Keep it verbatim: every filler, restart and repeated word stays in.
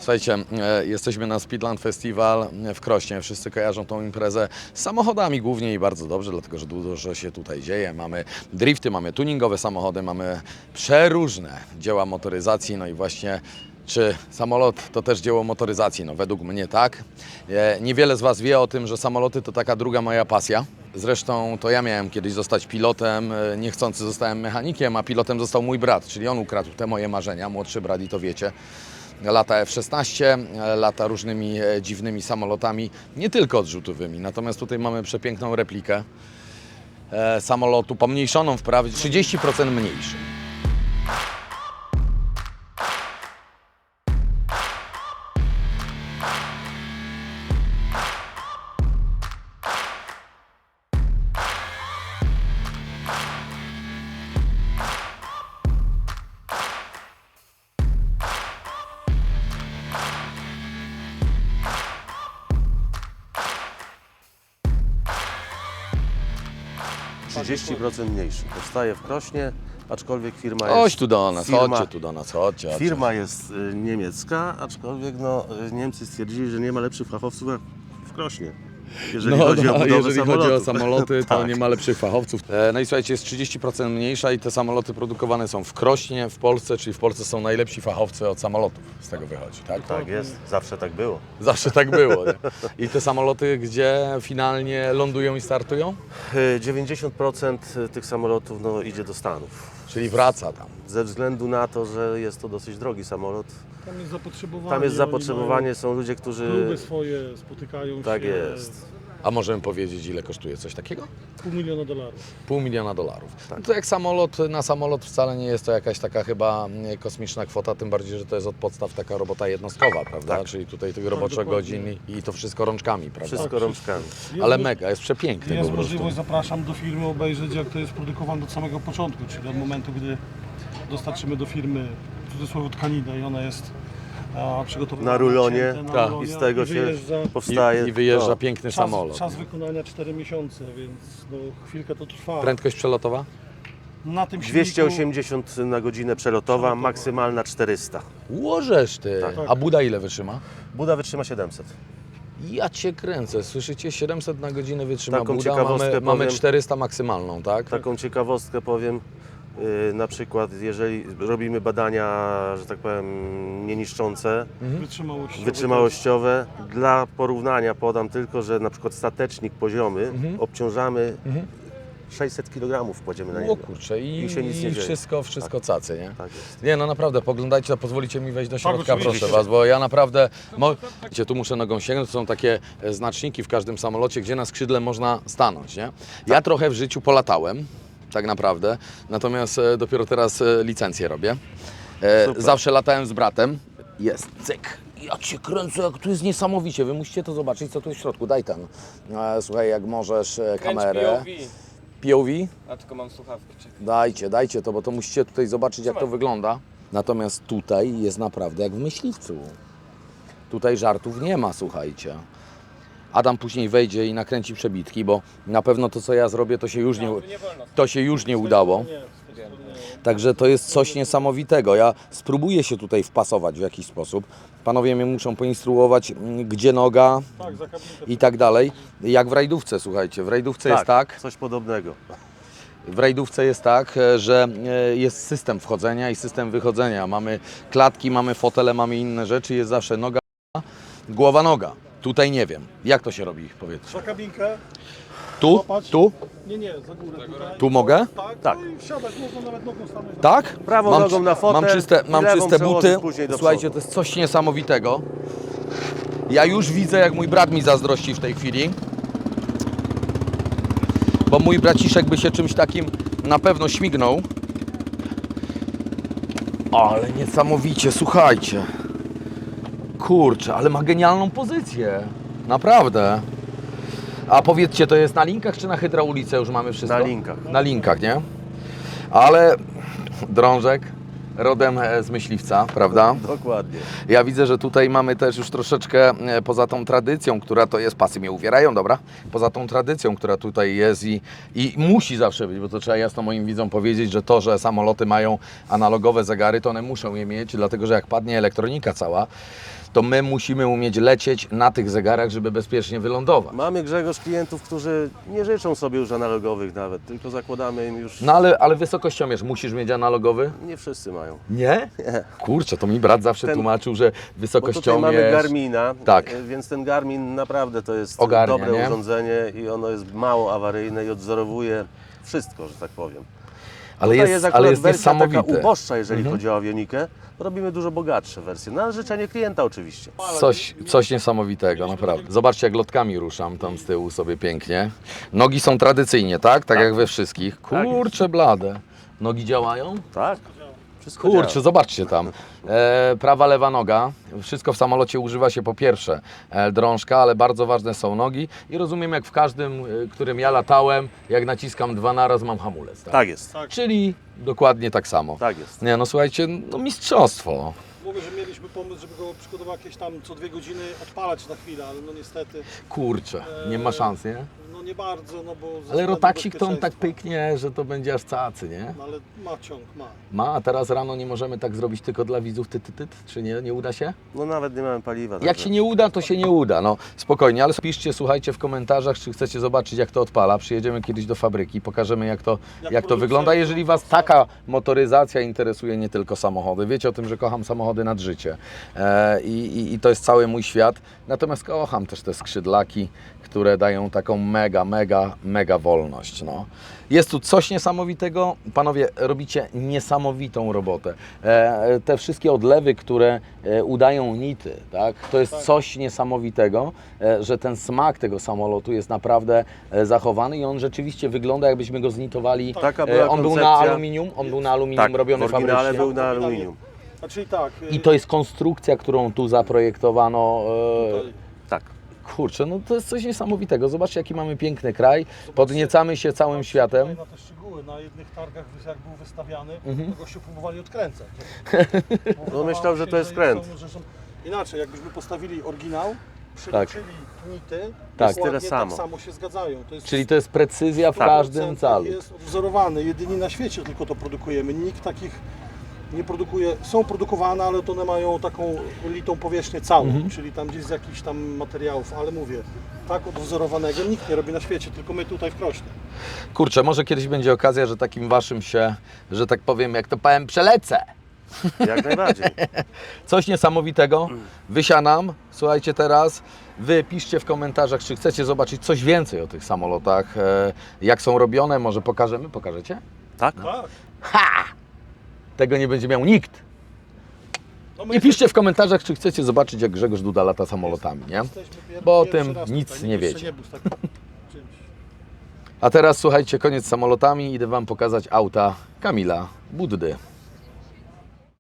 Słuchajcie, e, jesteśmy na Speedland Festival w Krośnie. Wszyscy kojarzą tą imprezę z samochodami głównie i bardzo dobrze, dlatego że dużo się tutaj dzieje. Mamy drifty, mamy tuningowe samochody, mamy przeróżne dzieła motoryzacji. No i właśnie, czy samolot to też dzieło motoryzacji? No według mnie tak. E, niewiele z Was wie o tym, że samoloty to taka druga moja pasja. Zresztą to ja miałem kiedyś zostać pilotem, e, niechcący zostałem mechanikiem, a pilotem został mój brat, czyli on ukradł te moje marzenia, młodszy brat i to wiecie. Lata F szesnaście, lata różnymi e, dziwnymi samolotami, nie tylko odrzutowymi. Natomiast tutaj mamy przepiękną replikę e, samolotu, pomniejszoną wprawdzie, trzydzieści procent mniejszy. trzydzieści procent mniejszy. Powstaje w Krośnie, aczkolwiek firma jest... Chodź tu do nas, firma, chodźcie tu do nas, chodźcie. chodźcie. Firma jest y, niemiecka, aczkolwiek no, y, Niemcy stwierdzili, że nie ma lepszych fachowców jak w Krośnie. Jeżeli No, chodzi no, o budowę jeżeli samolotów. chodzi o samoloty, to Tak. nie ma lepszych fachowców. E, no i słuchajcie, jest trzydzieści procent mniejsza i te samoloty produkowane są w Krośnie, w Polsce, czyli w Polsce są najlepsi fachowcy od samolotów, z tego wychodzi, tak? Tak jest, zawsze tak było. Zawsze tak było, nie? I te samoloty, gdzie finalnie lądują i startują? Y, dziewięćdziesiąt procent tych samolotów no, idzie do Stanów. Czyli wraca tam. Ze względu na to, że jest to dosyć drogi samolot. Tam jest zapotrzebowanie. Tam jest oni zapotrzebowanie, mają są ludzie, którzy... Kluby swoje spotykają Tak się. jest. A możemy powiedzieć, ile kosztuje coś takiego? Pół miliona dolarów. Pół miliona dolarów. Tak. No to jak samolot na samolot wcale nie jest to jakaś taka chyba mm, kosmiczna kwota, tym bardziej, że to jest od podstaw taka robota jednostkowa, prawda? Tak. Czyli tutaj tych roboczych dokładnie. godzin i, i to wszystko rączkami, prawda? Wszystko rączkami. Jest Ale mo- mega, jest przepiękny Jest po prostu. możliwość, zapraszam do firmy, obejrzeć jak to jest produkowane od samego początku, czyli od momentu, gdy dostarczymy do firmy w cudzysłowie tkaninę i ona jest a, przygotowana Na rulonie, nacięte na tak. rulonie I z tego się wyjeżdża. powstaje... I, I wyjeżdża no, piękny Czas, samolot. czas wykonania cztery miesiące, więc no, chwilkę to trwa. Prędkość przelotowa? Na tym silniku, dwieście osiemdziesiąt na godzinę przelotowa, maksymalna czterysta. Łożesz ty. Tak. A Buda ile wytrzyma? Buda wytrzyma siedemset. Ja cię kręcę, słyszycie? siedemset na godzinę wytrzyma Taką Buda, ciekawostkę mamy, mamy powiem. czterysta maksymalną, tak? Taką ciekawostkę powiem, yy, na przykład jeżeli robimy badania, że tak powiem, nieniszczące, wytrzymałościowy. wytrzymałościowe, dla porównania podam tylko, że na przykład statecznik poziomy Mhm. obciążamy sześćset kilogramów kładziemy na O niego. kurczę, i, I się nic nie i dzieje. wszystko, wszystko cacy, nie? Tak jest. Nie, no naprawdę, poglądajcie, to pozwolicie mi wejść do środka, oczywiście. proszę Was, bo ja naprawdę, mo... Wiecie, tu muszę nogą sięgnąć, to są takie e, znaczniki w każdym samolocie, gdzie na skrzydle można stanąć, nie? Ja trochę w życiu polatałem, tak naprawdę, natomiast e, dopiero teraz e, licencję robię. E, Super. zawsze latałem z bratem, jest, cyk. Ja cię kręcę, jak tu jest niesamowicie, wy musicie to zobaczyć, co tu jest w środku, daj ten. E, słuchaj, jak możesz e, kamerę. P O V. P O V? A tylko mam słuchawki. Czekaj. Dajcie, dajcie to, bo to musicie tutaj zobaczyć, jak to wygląda. Natomiast tutaj jest naprawdę jak w myśliwcu. Tutaj żartów nie ma, słuchajcie. Adam później wejdzie i nakręci przebitki, bo na pewno to, co ja zrobię, to się już nie, Nie wolno. to się już nie udało. Także to jest coś niesamowitego. Ja spróbuję się tutaj wpasować w jakiś sposób. Panowie mnie muszą poinstruować, mm, gdzie noga Tak, za kabinkę. i tak dalej. Jak w rajdówce, słuchajcie. W rajdówce jest tak, Coś podobnego. w rajdówce jest tak, e, że e, jest system wchodzenia i system wychodzenia. Mamy klatki, mamy fotele, mamy inne rzeczy. Jest zawsze noga, głowa, noga. Tutaj nie wiem. Jak to się robi, powiedzcie? Za kabinkę. Tu? Złapać. Tu? Nie, nie, za górę tutaj. Tu mogę? Tak, Tak. No i wsiadać, można nawet nogą stanąć. Tak? Prawą mam, nogą na fotel Mam czyste, i mam lewą czyste przełożyć buty. później do Słuchajcie, przodu. to jest coś niesamowitego. Ja już widzę, jak mój brat mi zazdrości w tej chwili. Bo mój braciszek by się czymś takim na pewno śmignął. Ale niesamowicie, słuchajcie. Kurczę, ale ma genialną pozycję. Naprawdę. A powiedzcie, to jest na linkach czy na hydraulice już mamy wszystko? Na linkach. Na linkach, nie? Ale drążek, rodem e, z myśliwca, prawda? Dokładnie. Ja widzę, że tutaj mamy też już troszeczkę e, poza tą tradycją, która to jest, pasy mnie uwierają, dobra? Poza tą tradycją, która tutaj jest i, i musi zawsze być, bo to trzeba jasno moim widzom powiedzieć, że to, że samoloty mają analogowe zegary, to one muszą je mieć, dlatego że jak padnie elektronika cała, to my musimy umieć lecieć na tych zegarach, żeby bezpiecznie wylądować. Mamy, Grzegorz, klientów, którzy nie życzą sobie już analogowych nawet, tylko zakładamy im już... No ale, ale wysokościomierz, musisz mieć analogowy? Nie wszyscy mają. Nie? Nie. Kurczę, to mi brat zawsze Ten- tłumaczył, że Bo tutaj wysokościomierz... mamy Garmina, Tak. e, więc ten Garmin naprawdę to jest Ogarnia, dobre nie? urządzenie i ono jest mało awaryjne i odzorowuje wszystko, że tak powiem. Ale Tutaj jest, akurat ale jest wersja taka niesamowite. uboższa, jeżeli chodzi o awionikę. Robimy dużo bogatsze wersje, na życzenie klienta oczywiście. Coś, coś niesamowitego, naprawdę. Zobaczcie, jak lotkami ruszam tam z tyłu sobie pięknie. Nogi są tradycyjnie, tak? Tak jak we wszystkich. Kurczę blade. Nogi działają? Tak, wszystko Kurczę, działa. zobaczcie tam. E, prawa, lewa noga. Wszystko w samolocie używa się po pierwsze e, drążka, ale bardzo ważne są nogi. I rozumiem, jak w każdym, e, którym ja latałem, jak naciskam dwa naraz, mam hamulec. Tak? Tak jest, Tak. Czyli dokładnie tak samo. tak jest. Nie, no słuchajcie, no mistrzostwo. Mówię, że mieliśmy pomysł, żeby go przygotować jakieś tam co dwie godziny odpalać na chwilę, ale no niestety Kurczę, nie ma szans, nie? no nie bardzo, no bo... ze Ale względu rotaksik to on tak bezpieczeństwa. pyknie, że to będzie aż cacy, nie? No, ale ma ciąg, ma. Ma, a teraz rano nie możemy tak zrobić tylko dla widzów, ty, ty, ty, czy nie? Nie uda się? No nawet nie mamy paliwa. Jak także- się nie uda, to się nie uda, no spokojnie, ale piszcie, słuchajcie w komentarzach, czy chcecie zobaczyć, jak to odpala. Przyjedziemy kiedyś do fabryki, pokażemy, jak to, jak Jak to produkcja wygląda. jest Jeżeli Was prosta. taka motoryzacja interesuje, nie tylko samochody. Wiecie o tym, że kocham samochody nad życie e, i, i, i to jest cały mój świat. Natomiast kocham też te skrzydlaki, które dają taką mega, mega, mega wolność. No. Jest tu coś niesamowitego. Panowie, robicie niesamowitą robotę. E, te wszystkie odlewy, które e, udają nity, tak? To jest Tak. coś niesamowitego, e, że ten smak tego samolotu jest naprawdę e, zachowany i on rzeczywiście wygląda, jakbyśmy go znitowali. Taka E, była on był na koncepcja. aluminium, on był na aluminium Tak, robiony w oryginale fabrycznie. był na aluminium. A czyli tak... I to jest konstrukcja, którą tu zaprojektowano. E, Tutaj, Tak. kurczę, no to jest coś niesamowitego. Zobaczcie, jaki mamy piękny kraj. Podniecamy się całym światem. Na te szczegóły, na jednych targach jak był wystawiany, Mhm. to gościu próbowali odkręcać. No myślał, że to jest Że kręt. są- że są- Inaczej, jakbyśmy postawili oryginał, przeliczyli nity, Tak. dokładnie Tyle samo. tak samo się zgadzają. To jest Czyli to jest precyzja w sto każdym procent calu. Jest odwzorowany, jedynie na świecie tylko to produkujemy. Nikt takich nie produkuje, są produkowane, ale to one mają taką litą powierzchnię całą, Mhm. czyli tam gdzieś z jakichś tam materiałów, ale mówię, tak odwzorowanego nikt nie robi na świecie, tylko my tutaj w Krośnie. Kurczę, może kiedyś będzie okazja, że takim waszym się, że tak powiem, jak to powiem, przelecę. Jak najbardziej. Coś niesamowitego. Wysianam. Słuchajcie teraz, wy piszcie w komentarzach, czy chcecie zobaczyć coś więcej o tych samolotach, e, jak są robione, może pokażemy, pokażecie? Tak? Tak. Ha! Tego nie będzie miał nikt. No my I piszcie w komentarzach, czy chcecie zobaczyć, jak Grzegorz Duda lata samolotami, nie? jesteśmy pier- Bo o pierwszy tym raz nic tutaj, nie nikt jeszcze wiecie. Nie był z takim czymś. A teraz słuchajcie, koniec z samolotami, idę wam pokazać auta Kamila Buddy.